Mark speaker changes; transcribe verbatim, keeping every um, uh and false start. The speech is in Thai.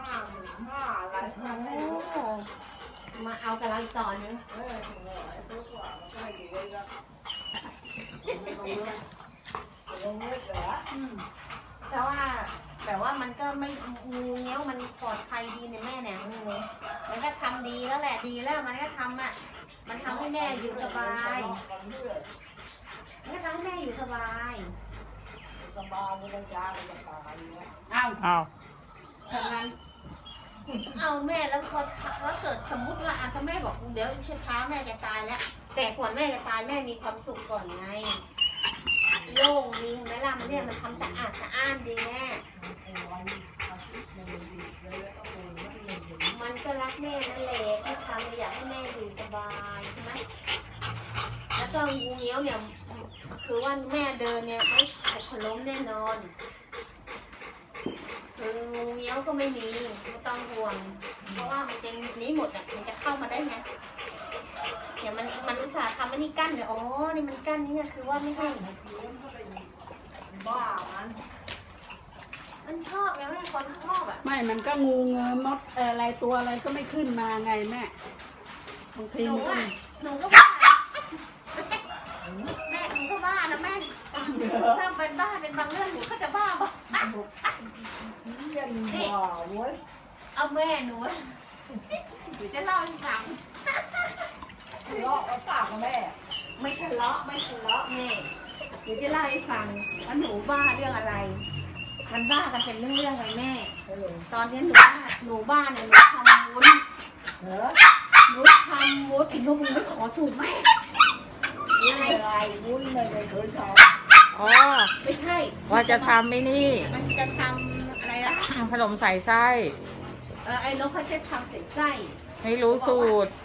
Speaker 1: ห้าหมื่นห้าอะไร
Speaker 2: โอ้มาเอากับเราอีกต่อนึง
Speaker 1: เออถึงเลยตัวกว่ามันก็ไม่ดีเลยก็ไม่ลงเงินลงเงินเหรอ
Speaker 2: อืมแต่ว่าแต่ว่ามันก็ไม่งูเงี้ยวมันปลอดภัยดีในแม่เนี่ยงูมันก็ทำดีแล้วแหละดีแล้วมันก็ทำอ่ะมันทำให้แม่อยู่สบายมันก็ทำให้แม่อยู่สบาย
Speaker 1: สบายไม่ต้องจ้างไม่ต้องตายเนี่ย
Speaker 2: เอา
Speaker 3: อ้าว
Speaker 2: ฉะนั้นเอาแม่แล้วพอแล้วเกิดสมมุติว่าอ่ะถ้าแม่บอกเดี๋ยวช้าแม่จะตายแล้ว แต่ก่อนแม่จะตายแม่มีความสุขก่อนไงโล่งดีเห็นไหมล่ะมันเนี่ยมันทำสะอาดสะอ้านดีแม่
Speaker 1: ไอ้วันอาทิตย์มันดีเลยแล้วก็โอนไม่เงินถึง
Speaker 2: มันก็รักแม่นั่นแหละที่ทำอยากให้แม่อยู่สบายใช่ไหมแล้วก็งูเงี้ยวเนี่ยคือว่าแม่เดินเนี่ยไม่หกล้มแน่นอนคืองูเงี้ยวก็ไม่มีไม่ต้องห่วง เพราะว่ามันเป็นนี้หมดอ่ะมันจะเข้ามาได้ไงเดี๋ยวมันมันอุตส่าห์ทำอันนี้กั้นเนี่ยอ๋อนี่มันกั้นนี่คือว่าไม่ให้
Speaker 1: บ้ามัน
Speaker 2: มันชอบไงแม่คนชอบอ่ะ
Speaker 3: ไม่มันก็งูเงือมดเอ่ออะไรตัวอะไรก็ไม่ขึ้นมาไงแม่บางที
Speaker 2: หนู
Speaker 3: มันก็
Speaker 2: อ่ะหนูก็บ้าแม่หนูก็บ้านะแม่ถ้าเป็นบ้าเป็นบางเรื่องหนูก็จะบ้าบ้า
Speaker 1: เย็นบ้าเว้ย
Speaker 2: เอาแม่หนูเดี๋ยวจะเล่าให้ฟัง
Speaker 1: ทะเลาะกับปากกับแม่
Speaker 2: ไม่ทะเลาะไม่ทะเลาะแม่เดี๋ยวจะเล่าให้ฟังว่าหนูบ้าเรื่องอะไร มันบ้ากันเป็นเรื่องๆเลยแม่
Speaker 1: เออ
Speaker 2: ตอนนี้หนูบ้าหนูบ้าเนี่ยหนูทำวุ้น
Speaker 1: เหรอ
Speaker 2: หนูทำวุ้นอีกลูกมึงไม่ขอสูตรแม่ยังไง
Speaker 1: อะไรวุ้นเลยไม่เคยท
Speaker 3: อ๋อ
Speaker 2: ไม่ใช่
Speaker 3: ว่าจะทำไม่นี่
Speaker 2: มันจะทำอะไรนะ
Speaker 3: ขนมใส่ไส้
Speaker 2: เออไอ้นกเขาจะทำใส่ไส้
Speaker 3: ไม่รู้สูตร